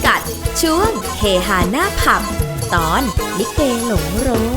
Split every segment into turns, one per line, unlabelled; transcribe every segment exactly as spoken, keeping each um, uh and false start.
สัตว์ช่วงเฮฮาหน้าผับตอนลิเกหลงโรง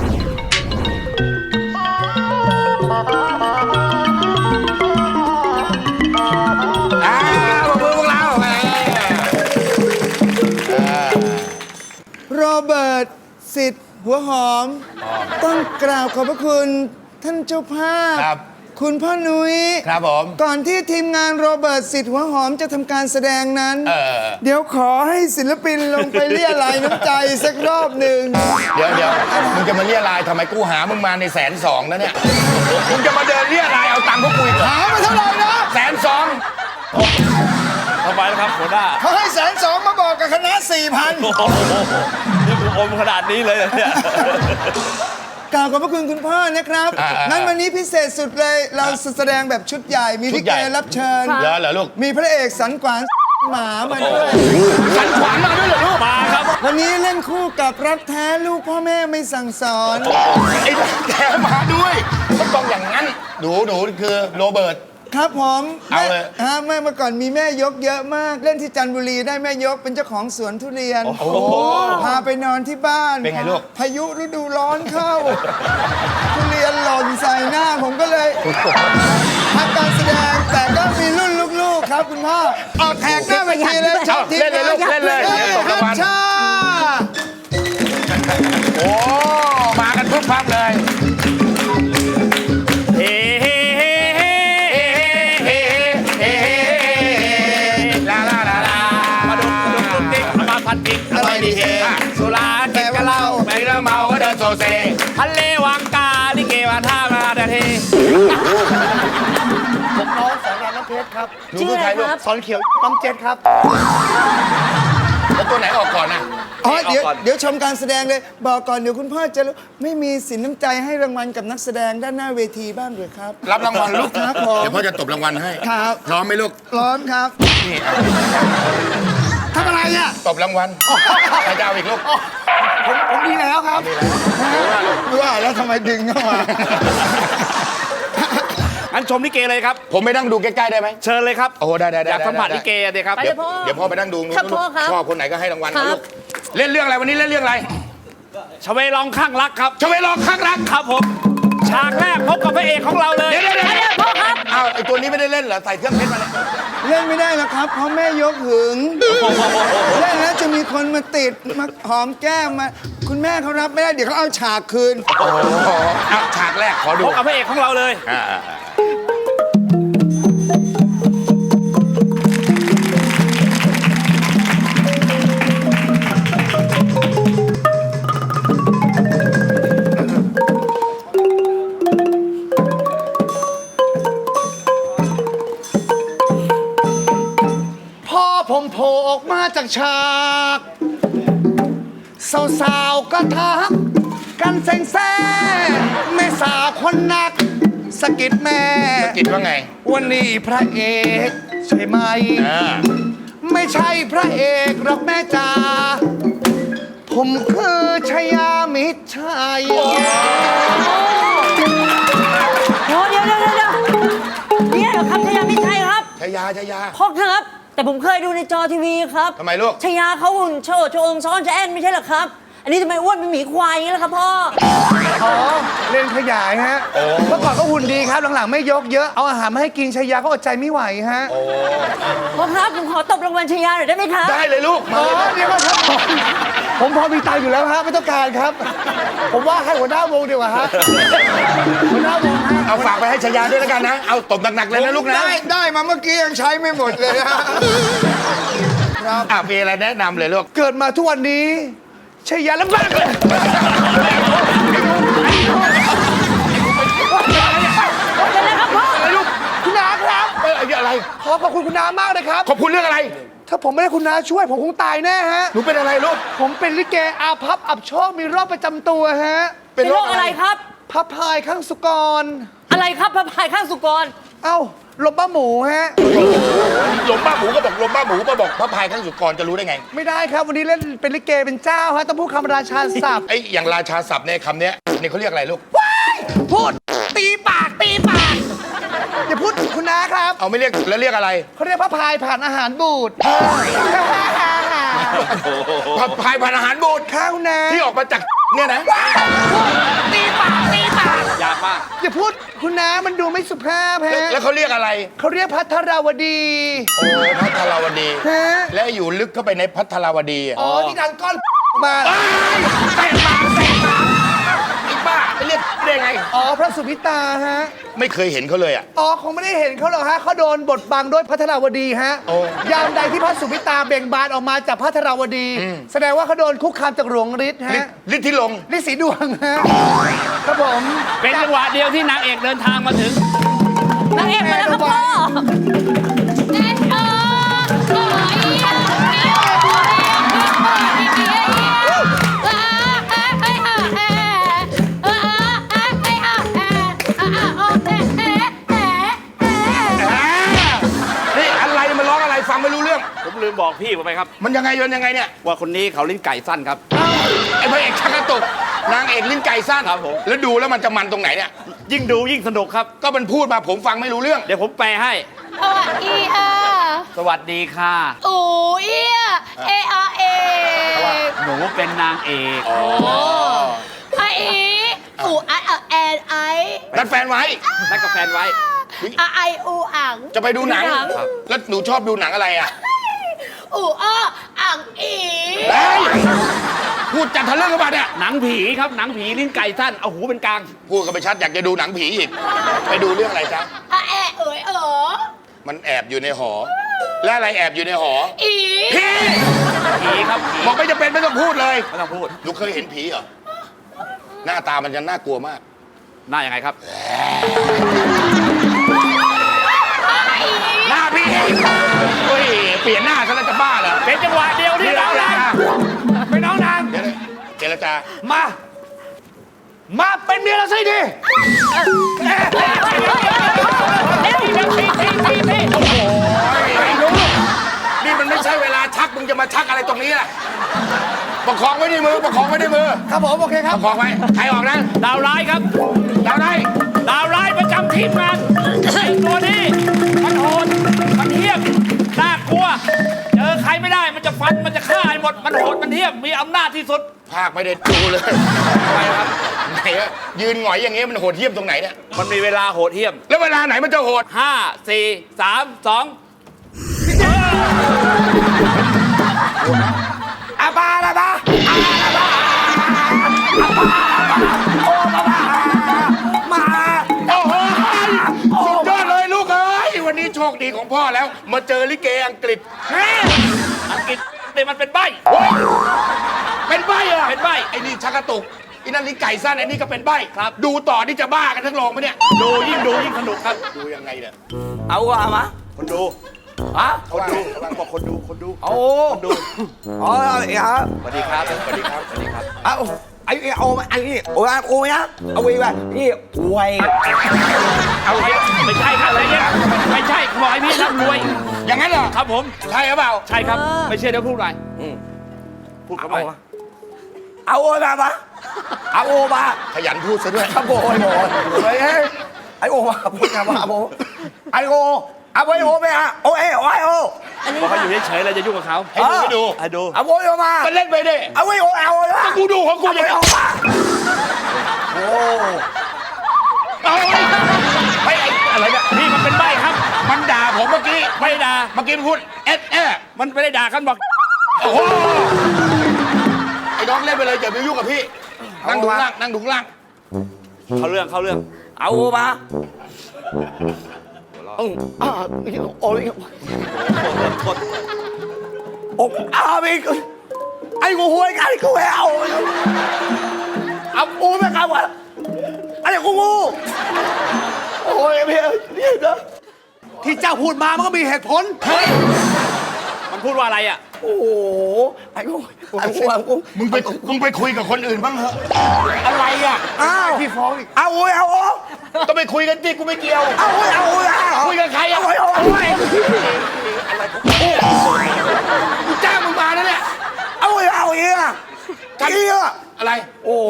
โรเบิร์ตสิทธิ์หัวหอมต้องกราบขอบพระคุณท่านเจ้าภาพคุณพ่อนุ้ย
ครับผม
ก่อนที่ทีมงานโรเบิร์ตสิทธิ์หัวหอมจะทำการแสดงนั้นเ, เดี๋ยวขอให้ศิลปินลงไปเรียรายน้ำใจสักรอบหนึ่ง
เดี๋ยวเดี๋ยวมึงจะมาเรียรายทำไมกูหามึงมาในแสนสองนะเนี่ยมึงจะมาเดินเรียรายเอาตังค์พวกกูหา
มาเท่าไหร่นะ
แสนสอง
ทำไมล่ะครับหัวหน้า
เขาให้แสนสองมาบอกกับคณะสี่พัน
นี่กูอมขนาดนี้เลยเนี่ย
กล่าวขอบพระคุณคุณพ่อนะครับงั้นวันนี้พิเศษสุดเลยเราแสดงแบบชุดใหญ่มีลิเกรับเชิญ
เหรอเหรอลูก
มีพระเอกสันขวานหมามาด้วย
สันขวานมาด้วยเหรอลูก
มาครับ
วันนี้เล่นคู่กับรักแท้ลูกพ่อแม่ไม่สั่งสอน
ไอ้รักแท้มาด้วยมันต้องอย่างนั้นหนูหนูคือโรเบิร์ต
ครับผม
เอาเลย
ฮะแม่เมื่อก่อนมีแม่ยกเยอะมากเล่นที่จันทบุรีได้แม่ยกเป็นเจ้าของสวนทุเรียนโอ้พาไปนอนที่บ้าน
เป็นไงลูก
พายุฤดูร้อนเข้าทุเรียนหล่นใส่หน้าผมก็เลยพักการแสดงแต่ก็มีรุ่นลูกๆครับคุณพ่อออกแขกหน้าเวทีเลย
ชอบทีเล่นเลยลูกเล่นเลย
ครับชา
โอ้มากันทุกพักเลย
เฮ้พันทิกอร่อยดีเฮสุราเก็บกะเหล้าไปแล้วเมาก็เดินโซเซทะเลวังกาลิเกวันท่ามาดาเท
ผมน้องสอนรามน้ำเพชรครับ
ชื่ออะไรครับ
สอนเขียวปั๊มเจ็ดครับ
แล้วตัวไหนออกก่อนนะ
อ๋อเดี๋ยวเดี๋ยวชมการแสดงเลยบอกก่อนเดี๋ยวคุณพ่อจะไม่มีสินน้ำใจให้รางวัลกับนักแสดงด้านหน้าเวทีบ้างหรือครับ
รับรางวัลลูก
ครับ
เดี๋ยวพ่อจะตบรางวัลให้
ครับ
พร้อมไหมลูก
พร้อมครับ
นี่
ทำอะไรอ่ะ
ตบรางวัลใครจะเอาอีกลูก
ผมผมดีแล้วครับว่าแล้วทำไมดึงเข้ามา
งั้นชมลิเกเลยครับ
ผมไปนั่งดูใกล้ๆได้ไหม
เชิญเลยครับ
โอ้ได้ได้
อยากสัมผัสลิเกเลยครับ
เดี๋ยวเดี๋ยวพ่อไปนั่งดูชอบคนไหนก็ให้รางวัลนะลูกเล่นเรื่องอะไรวันนี้เล่นเรื่องอะไร
ชเวลองข้างรักครับ
ชเวลองข้างรัก
ครับผมฉากแรกพบกับพระเอกของเราเลย
เดี๋ยวเดี๋ยวพ่อครับอ้าวไอตัวนี้ไม่ได้เล่นเหรอใส่เครื่องเพชรมาเลย
เล่นไม่ได้แล้วครับเพราะแม่ยกหึงเล่นแล้วจะมีคนมาติดมาหอมแก้มมาคุณแม่เขารับไม่ได้เดี๋ยวเขาเอาฉากคืน
โอ้โหเอาฉากแรกขอดู
พบกับพระเอกของเราเลย
ผมโผล่ออกมาจากฉากสาวๆก็ทักกันแซงแซ่แม่สาวคนนักสกิดแม่
สกิดว่าไง
วันนี้พระเอกใช่ไหมไม่ใช่พระเอกหรอกแม่จ๋าผมคือชยามิตรชัย
โอ้เดี๋ยวเดี๋ยวเดี๋ยวเนี่ยเหรอครับชยามิตรชัยครับ
ชยาชยา
พ่อครับแต่ผมเคยดูในจอทีวีครับ
ทำไมลูก
ชยาเขาหุ่นโชว์โชว์องซ้อนจะแอนไม่ใช่หรอครับอันนี้ทำไมอ้วนเป็นหมีควายอย่างนี้ล่ะครับพ่อ
อ๋อเล่นขยายฮะเมื่อก่อนก็หุ่นดีครับหลังๆไม่ยกเยอะเอาอาหารมาให้กินชยาก็อดใจไม่ไหวฮะ
พ่อครับผมขอตบรางวัลชยาหน่อยได้ไหมครับ
ได้เลยลูก
อ๋อเดี๋ยวครับผมพอมีตังค์อยู่แล้วฮะไม่ต้องการครับผมว่าให้หัวหน้าวงดีกว่าฮะหัวหน้าวง
เอาฝากไปให้ชยาด้วยแล้วกันนะเอาตบหนักๆเลยนะลูกนะ
ได้ได้มาเมื่อกี้ยังใช้ไม่หมดเลยนะครับ
อ่ะมีอะไรแนะนำเลยลูก
เกิดมาทุกวันนี้ชยาลำบากเลย
เป็นไรครับพ่อ
อะไรลูก
คุณน้าครับ
เป็นอะไร
ขอขอบคุณคุณน้ามากเลยครับ
ขอบคุณเรื่องอะไร
ถ้าผมไม่ได้คุณน้าช่วยผมคงตายแน่ฮะ
หนูเป็นอะไรลูก
ผมเป็นลิเกอาภัพอับโชคมีโรคประจำตัวฮะ
เป็นโรคอะไรครับ
พับพายข้างสุกร
อะไรครับพับพายข้างสุกร
เอ้าลมบ้าหมูฮะ
ลมบ้าหมูก็บอกลมบ้าหมูก็บอกพระพายข้างสุกรจะรู้ได้ไง
ไม่ได้ครับวันนี้เล่นเป็นลิเกเป็นเจ้าฮะต้องพูดคำราชาศัพท์
ไอ้อย่างราชาศัพท์เนี่ยคำนี้นี่เขาเรียกอะไรลูก
พูดตีปากตีปากอย่าพูดคุณน้าครับ
เอาไม่เรียกแล้วเรียกอะไร
เขาเรียกพระพายผ่านอาหารบูด
ผัดพายพันอาหารบูด
ข้าวนะ
ที่ออกมาจากเนี่ยนะ
ตีปากตีปาก
ยากมาก
อย่าพูดคุณน้ามันดูไม่สุภาพ
แล้ว
ฮะ
แล้วเขาเรียกอะไร
เขาเรียกพัทรวดี
โอ้พัทราวดี
ฮะ
และอยู่ลึกเข้าไปในพัทราวดีอะ
อ๋อที่ดันก้อนมา
เตะปากเตะปากไอ้บ้าไปเรียกได้ไง
อ๋อพระสุพิตาฮะ
ไม่เคยเห็นเขาเลยอ่ะ
อ๋อคงไม่ได้เห็นเขาหรอกฮะเขาโดนบทบังด้วยพัทรวดีฮะ
โอ้
ยามใดที่พระสุพิตาเบ่งบานออกมาจากพัทรวดี แสดงว่าเขาโดนคุกคามจากหลวงฤทธิ์
ฤท
ฮะ
ธิ์ฤทธิ์ที่ลง
ฤทธิ์สีดวงฮะครับผม
เป็นจังหวะเดียวที่นางเอกเดินทางมาถึง
นางเอกมาแล้วครับพ่อ
นี่อะไรมันร้องอะไรฟังไม่รู้เรื่อง
ผมลืมบอกพี่ไปครับ
มันยังไงยนยังไงเนี่ย
ว่าคนนี้เขาลิ้นไก่สั้นครับ
ไอ้พระเอกชักกระตุกนางเอกลิ้นไก่สั้น
ครับผม
แล้วดูแล้วมันจะมันตรงไหนเนี่ย
ยิ่งดูยิ่งสนุกครับ
ก็มันพูดมาผมฟังไม่รู้เรื่อง
เดี๋ยวผมแปลให้
อีอา
สวัสดีค่ะ
อูเอียเออาเอ
หนูเป็นนางเอก
ไออีอูไอแอนไอ
นัดแฟนไว้
นัดกับแฟนไว้
อาไออูอัง
จะไปดูหนัง
ครับ
แล้วหนูชอบดูหนังอะไรอ่ะ
อูอ้ออังอี
เฮ้ยพูดจัดทะลึ่งกันมาเนี่ย
หนังผีครับหนังผีลิ้นไก่สั้นเอาหูเป็นกลาง
พูดกันไปชัดอยากจะดูหนังผีอีก ไปดูเรื่องอะไรจ๊ะ
อาแอเอ๋ยเอ๋อ
มันแอบอยู่ในหอ และอะไรแอบอยู่ในหอ
อี
ผี
ผีครับผี
บอกไม่จะเป็นไม่ต้องพูดเลย
ไม่ต้องพูด
หนูเคยเห็นผีเหรอ หน้าตามันจะน่ากลัวมาก
หน้ายังไงครับ
หน้าพี่เฮ้ยเปลี่ยนหน้าซะแล้วจะบ้าเหรอ
เป็นจังหวะเดียวที่เราได้
ไปน้องนาง
เดี๋ยวนะเจรจา
มา มาเป็นเมียเราสิดิ
นี่มันไม่ใช่เวลาชักมึงจะมาชักอะไรตรงนี้ล่ะประคองไว้ในมือประคองไว้ในมือ
ครับผมโอเคค
ป
รับ
ระคองไว้ใครออกนะ
ดาวร้ายครับ
เราได้
ดาวร้ายประจำทีมงานไอ้ตัวนี้มันโหดมันเหี้ยมน่ากลัว เจอใครไม่ได้มันจะฟันมันจะฆ่าให้หมดมันโหดมันเหี้ยมมีอำนาจที่สุด
ภาคไม่ได้ดูเลยทำไมครับไหนอะยืนหงอยอย่างเงี้ยมันโหดเหี้ยมตรงไหนเนี่ย
มันมีเวลาโหดเหี้ยม
แล้วเวลาไหนมันจะโหด
ห้าสี่สามสอง
อาบาลาบา มา
โอ้โหสุดยอดเลยลูกเอ้ยวันนี้โชคดีของพ่อแล้ว มาเจอลิเกอังกฤษแม่
อังกฤษเนี่ยมันเป็นใบ
โอ้ยเป็นใบเหรอ
เป็นใบ้
ไอ้นี่ชักกระตุกไอ้นั่นลิ้นไก่สั้นไอ้นี่ก็เป็นใบ
ครับ
ดูต่อนี่จะบ้ากันทั้งโรงไหมเนี่ย
ดูยิ่งดูยิ่งสนุกครับ
ดูยังไงเนี่ย
เอาว่ามาคนดูฮะ
คนดูกำลังบอกคนดูคนดู
โอ้คนดู
อ๋อไอ้ฮะ
สวัสดีครับสวัสดีครับสวัสดีครับ
เอาไอ้เอาไอ้นี่โอ้ยโอ้ยนะเอาไว้ว่านี่ไว
เอาไว้ไม่ใช่ครับอะไรเนี่ยไม่ใช่ขอให้พี่ร่ำรวย
อย่างนั้นเหรอ
ครับผม
ใช่หรือเปล่า
ใช่ครับ ไม่เชื่อเดี๋ยวพูดหน่อยพูดเข้าไป
เอาโอ้ยมาปะเอาโอ้มา
ขยันพูดซะด้วย
ครับโอ้ยโอ้ยเฮ้ยไอ้โอ้มาพูดกันว่าโอ้ไอ้โอ้เอาไว้โอ้ไปอ่ะโอ้เอ้โอ้ยโอ้
บอกเขาอยู่เฉยๆเราจะยุ่งกับเขา
ให้ดูให้ดู
ให้ดู
เอาโอ้ยมา
ก็เล่นไปดิ
เอาไว้โอ้เอาเลย
กูดูของกูอย่างนี้
เอามาโอ้
เอาไอ้ไอ้อะไรเนี่ย
นี่มันเป็นใบครับ
มันด่าผมเมื่อกี้
ไม่ได้ด่า
เมื่อกี้มันพูดเอสเอ
มันไม่ได้ด่ากันบอก
โอ้โหไอ้น้องเล่นไปเลยอย่าไปยุ่งกับพี่นั่งดูล่างนั่งดูล่าง
เขาเรื่องเขาเรื่อง
เอาโอ้มาโอ้โอ้ยโอ้อาไปไอ้กูหวยกันกูเอาเอากูไม่กล้าว่าไอ้กูงูโอ้ยเพี่นี่นะ
ที่เจ้าพูดมามันก็มีเหตุผล
มันพูดว่าอะไรอ่ะ
โอ้โหไอ้กูไอ้กูไอ้กู
มึงไปมึงไปคุยกับคนอื่นบ้างเถอะอะไรอ่ะ
อ้าว
พี่ฟ้องอีก
เอาโอ้ยเอาโอ้
ต้องไปคุยกันที่กูไม่เกี่ยว
เอาโอ้ยเอาโอ้ย
คุยกับใครอ่ะ
เอาโอ้ยเอาโอ้ย
กูจ้างมึงมาแล้วเนี่ย
เอาโอ้ยเอาอีกอ่ะอีกอ่ะ
อะไร
โอ้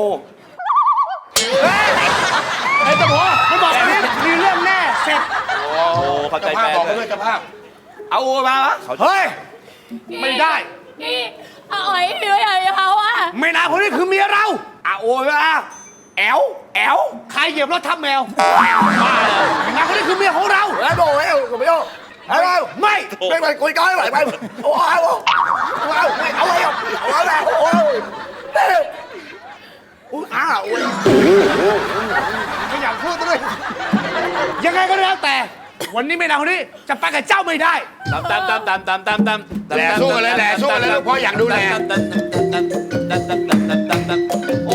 ไอ้ตะหัว
มันบอกว่ามีเรื่องแน่เสร็จ
โอ้เข้าใจ
เจ้าภาพ
แฟน
บอก
เล
เขาด้วย
ย
เจ้าภาพ
เอาโอ้ยมา
เฮ้ย ไม่ได้
อีเอาไอ้พี่ไม่เอาเขาอ่ะ
แม่นางคนนี้คือเมียเรา
อ่ะโอ้ยอ่ะแอลแอล
ใครเหยียบรถทับแมวบ้าเลยแม่นางคนนี้คือเมียของเรา
แล้วโดนแล้วไม่โดนอะไรไม่ไม่ไปคุยกันไปไปโอ้ยโอ้ยเอาไม่เอาไม่เอาเอาแล้วโอ้ยเด้ออุ้ยอ้าวโอ้ย
ไม่อยากพูดด้วย ยังไงก็แล้วแต่ วันนี้แม่นางคนนี้จะไปกับเจ้าไม่ได้
ตามตามตามตามตามตามตาม
แหล่สู้กันเลยแหล่สู้กันเลยลูกพ่ออยากดูแหล่
โอ้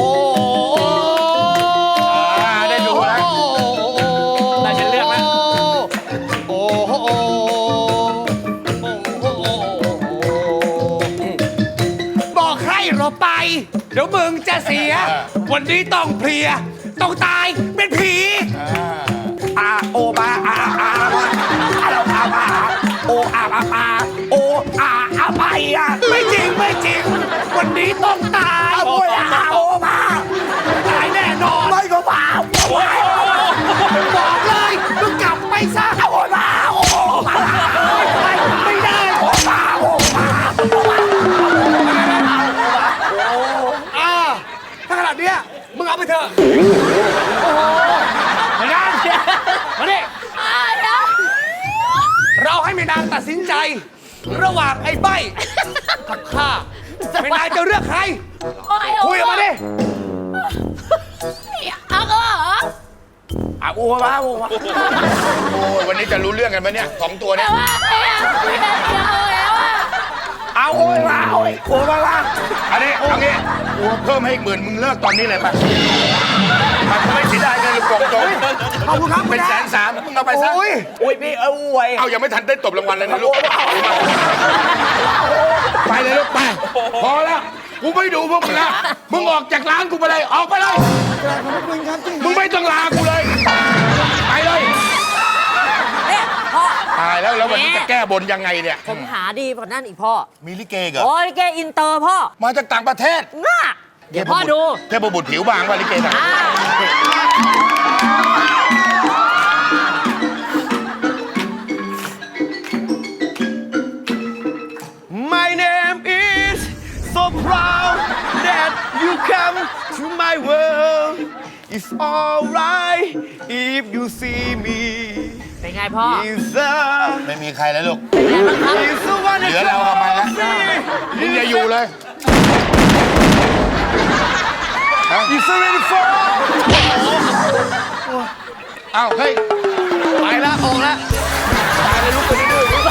อ่าได้ดูแล้ว
ได้ฉันเลือกแล้ว
โอ้โหบอกใครเราไป เดี๋ยวมึงจะเสีย วันนี้ต้องเพลีย ต้องตายเป็นผี
อาโอมาอาอามาอาเราอามาโออาอาอาโออาอาไปอ่ะ
ไม่จริงไม่จริง วันนี้ต้องตาย
โอ้ยอาโอมา
ตายแน่นอน
ไม่ก็มาโอ้ย
บอกเลยมึงกลับไปซะ
โอ้ยมาโอ้มา
ไปไม่ได้
โอ้มาโอ้มา
อ่าถ้าขนาดเนี้ยมึงเอาไปเถอะไม่ได้มาดิเราให้แม่นางตัดสินใจ ระหว่างไอ้ใบกับข้าแม่นางจะเลือกใคร คุยกันมาดิ
เอาก็เหรอ
อาโอมาโอมา
โอ้ยวันนี้จะรู้เรื่องกันไหมเนี่ยสองตัวเนี่ย
แต่ว่าไม่เอาไม่เอาแล้วอ่ะ
เอาโอ้ยมาโอ้ยโอ้มาละ
อันนี้เอางี้เพิ่มให้อีกหมื่นมึงเลิกตอนนี้เลยป่ะมันไม่เสียดายเงินหรือกล่องโจม
ขอบคุณครับ
เป็นแสนสามมึงเอาไปซะ
โอ้ย
โอ้ยพี่เอาไว้
เอายังไม่ทันได้ตบรางวัลเลยนะลูกไปเลยลูกไปพอแล้วกูไม่ดูพวกมึงแล้วมึงออกจากร้านกูไปเลยออกไปเลยมึงไม่ต้องลากูเลยไปเลย
เนี่ยพ่อ
ตายแล้วแล้ววันนี้จะแก้บนยังไงเนี่ย
ผมหาดีกว่านั่นอีกพ่อ
มีลิเกเหรอ
โอ้ยแกอินเตอร์พ่อ
มาจากต่างประเทศ
ง่าเดี๋ยวพ่อดู
เทพบุตรผิวบางว่าลิเกน่ะ
อ่า
My name is so proud that you come to my world. It's alright if you see me.
เป็นไงพ่อ
It's a
ไม่มีใครแล้วลูก
it's a one
เหลือเรากับมันแล้วมึงอย่าอยู่เลย
It's a really fun.
เอ้าเฮ้ย
ไปแล้วออกแล้ว
ตายเลยลูกคนนี้ดื้อ